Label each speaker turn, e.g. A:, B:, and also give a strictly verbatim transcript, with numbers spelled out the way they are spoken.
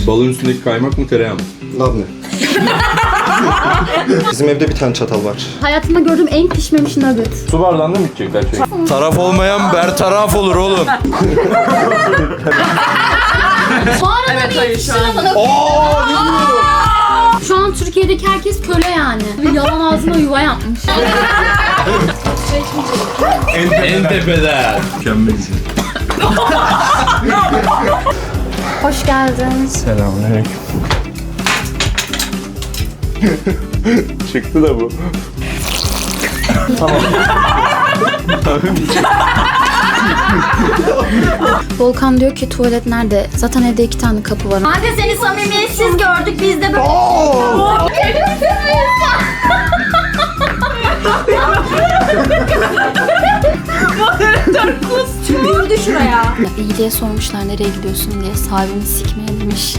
A: Balığın üstündeki kaymak mı tereyağı mı?
B: Labne. Bizim evde bir tane çatal var.
C: Hayatımda gördüğüm en pişmemiş nugget.
A: Su bardağında mı içecekler şey?
D: Taraf olmayan bertaraf olur oğlum.
C: Bu arada evet, hayır, şu an. Şu an Türkiye'deki herkes köle yani. Bir yalan ağzına yuva yapmış.
A: En, en tepeden. Mükemmelsin.
C: Hoş geldiniz.
D: Selamünaleyküm.
A: Çıktı da bu.
C: Volkan diyor ki tuvalet nerede? Zaten evde iki tane kapı var.
E: Kanka seni samimiyetsiz gördük biz de böyle. Moderatör kus. Yürüdü şuraya.
C: İyi diye sormuşlar nereye gidiyorsun diye. Sahibini sikmeye demiş.